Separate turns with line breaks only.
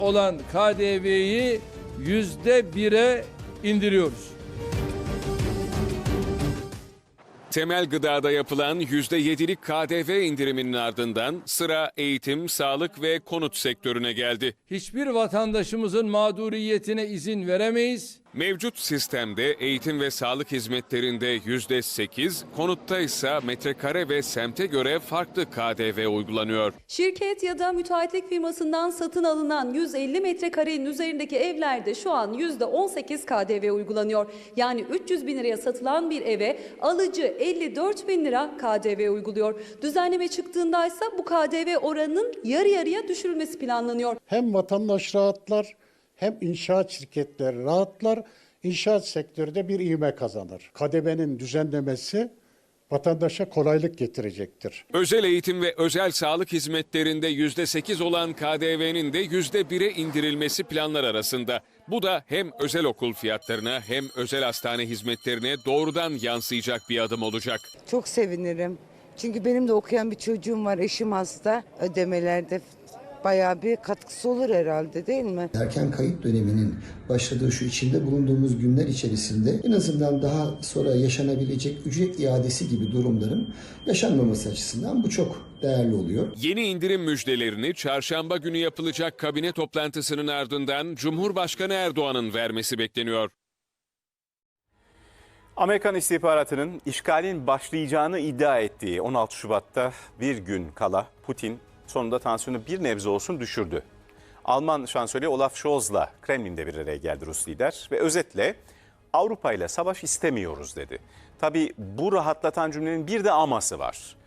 olan KDV'yi %1'e indiriyoruz.
Temel gıdada yapılan %7'lik KDV indiriminin ardından sıra eğitim, sağlık ve konut sektörüne geldi.
Hiçbir vatandaşımızın mağduriyetine izin veremeyiz.
Mevcut sistemde eğitim ve sağlık hizmetlerinde %8, konutta ise metrekare ve semte göre farklı KDV uygulanıyor.
Şirket ya da müteahhitlik firmasından satın alınan 150 metrekarenin üzerindeki evlerde şu an %18 KDV uygulanıyor. Yani 300 bin liraya satılan bir eve alıcı 54 bin lira KDV uyguluyor. Düzenleme çıktığında ise bu KDV oranının yarı yarıya düşürülmesi planlanıyor.
Hem vatandaş rahatlar hem inşaat şirketleri rahatlar. İnşaat sektörü de bir ivme kazanır. KDV'nin düzenlemesi vatandaşa kolaylık getirecektir.
Özel eğitim ve özel sağlık hizmetlerinde %8 olan KDV'nin de %1'e indirilmesi planlar arasında. Bu da hem özel okul fiyatlarına hem özel hastane hizmetlerine doğrudan yansıyacak bir adım olacak.
Çok sevinirim. Çünkü benim de okuyan bir çocuğum var, eşim hasta. Ödemelerde bayağı bir katkısı olur herhalde, değil mi?
Erken kayıt döneminin başladığı şu içinde bulunduğumuz günler içerisinde en azından daha sonra yaşanabilecek ücret iadesi gibi durumların yaşanmaması açısından bu çok değerli oluyor.
Yeni indirim müjdelerini çarşamba günü yapılacak kabine toplantısının ardından Cumhurbaşkanı Erdoğan'ın vermesi bekleniyor.
Amerikan istihbaratının işgalin başlayacağını iddia ettiği 16 Şubat'ta bir gün kala Putin sonunda tansiyonu bir nebze olsun düşürdü. Alman şansölye Olaf Scholz'la Kremlin'de bir araya geldi Rus lider ve özetle Avrupa ile savaş istemiyoruz dedi. Tabii bu rahatlatan cümlenin bir de aması var.